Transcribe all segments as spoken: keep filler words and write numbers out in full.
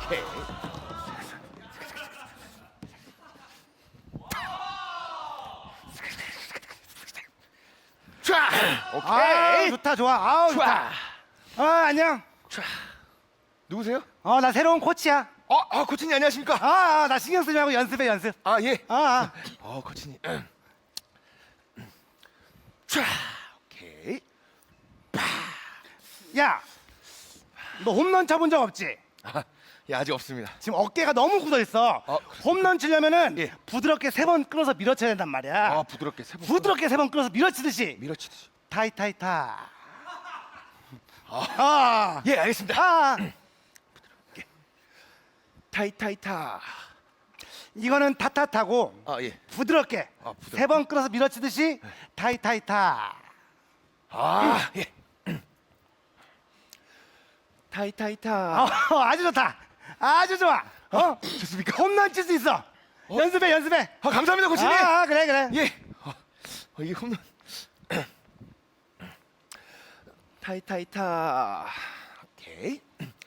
오케이. 자, 아, 오케이. 좋다 좋아. 아우 좋다. 자, 아 안녕. 자. 누구세요? 어 나 새로운 코치야. 어, 아, 코치님 안녕하십니까? 아, 아, 나 신경 쓰지 말고 연습해 연습. 아, 예. 아, 아. 어, 코치님. 자, 오케이. 야, 너 홈런 쳐본 적 없지? 아, 예, 아직 없습니다. 지금 어깨가 너무 굳어 있어. 어, 홈런 치려면은 예. 부드럽게 세 번 끌어서 밀어쳐야 된단 말이야. 아, 부드럽게 세 번. 부드럽게 세 번 끌어서 밀어치듯이. 밀어치듯이. 타이타이타. 아, 예, 알겠습니다. 아, 타이타이타. 이거는 타타타고 아, 예. 부드럽게 아, 부드럽게. 세 번 끌어서 밀어치듯이 타이타이타. 아, 예. 타이타이타. 어, 아주 좋다. 아주 좋아. 어, 좋습니까? 홈런 칠 수 있어. 연습해, 연습해. 아, 감사합니다, 코치님. 아, 아, 그래, 그래. 예. 어, 어, 이게 홈런. 타이타이타. 오케이.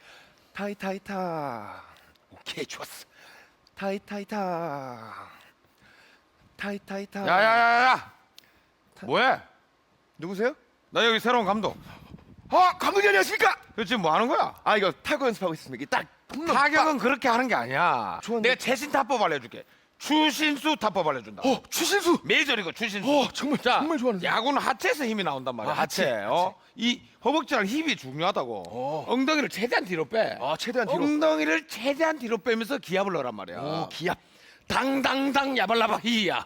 타이타이타. 오케이, 좋았어. 타이타이타. 타이타이타. 야야야야! 뭐해? 누구세요? 나 여기 새로운 감독. 아, 감독님 안녕하십니까? 너 지금 뭐 하는 거야? 아, 이거 타구 연습하고 있습니다. 이게 딱 홈런. 타격은 그렇게 하는 게 아니야. 좋았네. 내가 최신 타법 알려줄게. 추신수 타법 알려준다. 어, 추신수. 메이저리그 추신수. 어, 정말, 자, 정말 좋아하는데. 야구는 하체에서 힘이 나온단 말이야. 아, 하체, 하체. 어? 이 허벅지랑 힙이 중요하다고. 어. 엉덩이를 최대한 뒤로 빼. 아, 최대한 뒤로. 엉덩이를 최대한 뒤로 빼면서 기압을 넣으란 말이야. 오, 기압. 당당당 야발라바 히야.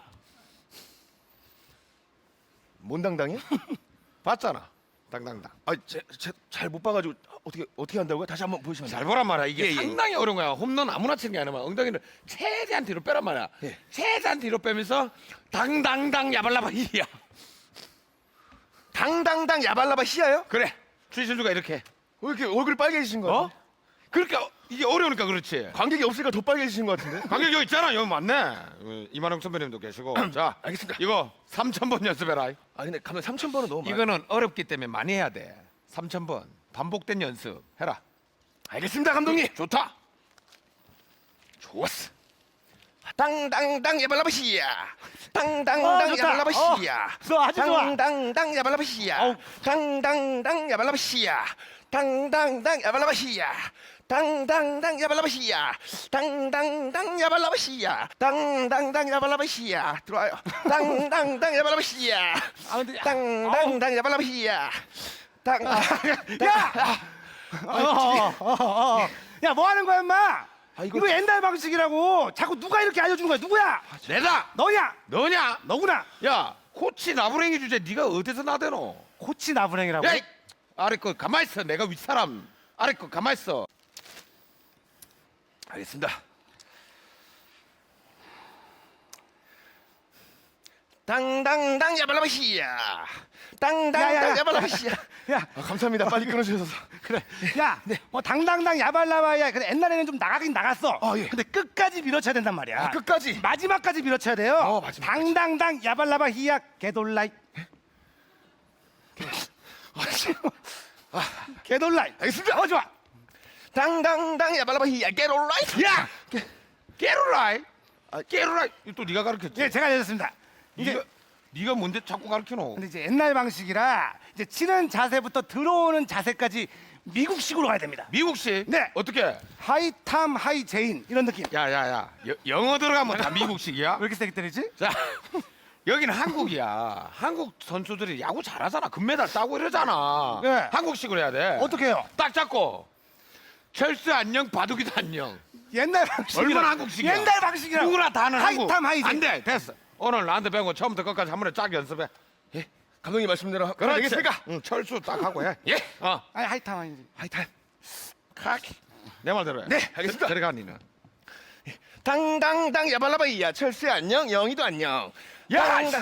몬당당이요? 봤잖아. 당당당. 아, 잘 못 봐가지고 어떻게 어떻게 한다고요? 다시 한번 보여주시면 잘 보란 말이야. 이게 예, 예. 상당히 어려운 거야. 홈런 아무나 치는 게 아니라 엉덩이를 최대한 뒤로 빼란 말이야. 예. 최대한 뒤로 빼면서 당당당 야발라바 히야. 당당당 야발라바 히야요? 그래. 추신수가 이렇게. 왜 이렇게 얼굴이 빨개지신 거 어? 같아요? 그렇게 어- 이게 어려우니까 그렇지. 관객이 없으니까 더 빨개지신 것 같은데? 관객 여기 있잖아. 여기 맞네. 어, 이만영 선배님도 계시고. 자, 알겠습니다. 이거 삼천 번 연습해라. 아 근데 감독 삼천 번은 너무 많아. 이거는 어렵기 때문에 많이 해야 돼. 삼천 번 반복된 연습 해라. 알겠습니다, 감독님. 좋다. 좋았어. 당당당 야발라바 히야. 어, 당당당 좋다. 야발라바 어, 히야. 좋아, 아주 좋아. 당당당 야발라바 히야. 어우. 당당당 야발라바 히야. 당당당 야발라바 히야. 당당당 야발라바 히야. 당당당 야발라바 히야. 당당당 야발라바 히야. 들어와요. 당당당 야발라바 히야. 아, 근데 당당당 야발라바 히야. 당. 야! 어, 어, 어, 어. 야, 뭐 하는 거야, 임마? 아, 이거- 이거 옛날 방식이라고. 자꾸 누가 이렇게 알려주는 거야? 누구야? 내다. 너냐? 너냐? 너구나. 야, 코치 나부랭이 주제 네가 어디서 나대노? 코치 나부랭이라고. 야, 이- 아래 거 가만 있어. 내가 윗사람. 아래 거 가만 있어. 알겠습니다. 당당당 야발라바 히야. 야, 야, 당당당 야. 야발라바 히야. 야, 아, 감사합니다. 빨리 끊어주셔서. 그래. 야, 뭐 당당당 야발라바야. 근데 옛날에는 좀 나가긴 나갔어. 아, 예. 근데 끝까지 밀어쳐야 된단 말이야. 아, 끝까지. 마지막까지 밀어쳐야 돼요. 어, 마지막까지. 당당당 야발라바 히야 개돌라이. 개돌라이. 알겠습니다. 어, 좋아. 당당당 야발라바 히야. Get alright. 야, 깨루라이. 아, 깨루라이. 이거 또 네가 가르쳤지. 예, 제가 알려줬습니다. 이제 네가 네가 뭔데 자꾸 가르쳐노? 근데 이제 옛날 방식이라 이제 치는 자세부터 들어오는 자세까지 미국식으로 가야 됩니다. 미국식. 네. 어떻게? 하이탐 하이 제인 이런 느낌. 야야야. 영어 들어가면 다 미국식이야. 왜 이렇게 세게 때리지? 자, 여기는 한국이야. 한국 선수들이 야구 잘하잖아. 금메달 따고 이러잖아. 네. 한국식으로 해야 돼. 어떻게 해요? 딱 잡고. 철수 안녕, 바둑이도 안녕. 옛날 방식. 얼마나 한국식이야? 옛날 방식이라. 누구나 다 하는 한국. 하이탐 하이 제인. 안 돼, 됐어. 오늘 나한테 배운 거 처음부터 끝까지 한 번에 쫙 연습해. 예. 감독님 말씀대로 하면 그렇지. 되겠습니까? 응, 철수 딱 하고 해. 예. 어. 아니 하이탐 하이 제인. 하이탄. 카키. 내 말대로 해. 네, 알겠습니다. 들어가 니는. 당당당 야발라바 히야. 철수야 안녕. 영희도 안녕. 야, 당당.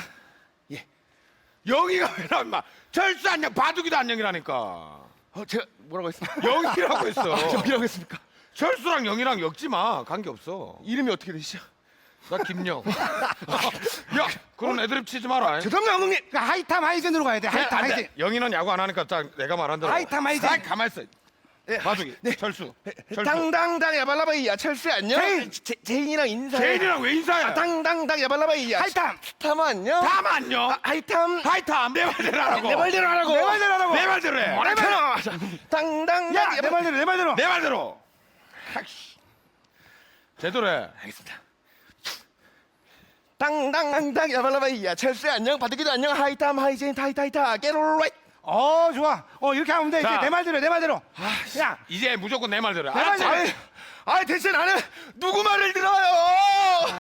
영희가 왜 나와 임마. 철수 안녕, 바둑이도 안녕이라니까. 어, 제가 뭐라고 했습니까? 영희라고 했어. 아, 영희라고 했습니까? 철수랑 영희랑 엮지 마. 관계 없어. 이름이 어떻게 되시죠? 나 김영. 야, 그런 애드립 치지 마라. 죄송합니다, 감독님. 그러니까 하이탐 하이 제인으로 가야 돼. 하이탐 안 하이 돼. 제인. 영희는 야구 안 하니까 딱 내가 말한 대로. 하이탐, 하이탐. 딱 가만 있어. 네, 마숙이. 네. 철수. 철수. 당당당 야발라바이야 철수 안녕. 제인. 제, 제인이랑 인사해. 제인이랑 왜 인사해? 아, 당당당 야발라바이야. 하이탐. 탐 안녕. 다음 안녕. 아, 하이탐. 하이탐 내 말대로 하라고. 내 말대로 하라고. 내 말대로 하라고. 내 말대로 해. 내 말대로. 당당당 야, 내 말대로, 내 말대로. 내 말대로. 아이씨. 제대로 해. 알겠습니다. 당당당 야발라바이야 철수 안녕. 바둑이도 안녕. 하이탐 하이제인 타이타이타 게롤라이. 어, 좋아. 어, 이렇게 하면 돼. 이제 자. 내 말대로, 내 말대로. 야, 이제 무조건 내 말대로 해. 내 알았지? 말대로. 아이, 아이 대체 나는 누구 말을 들어요?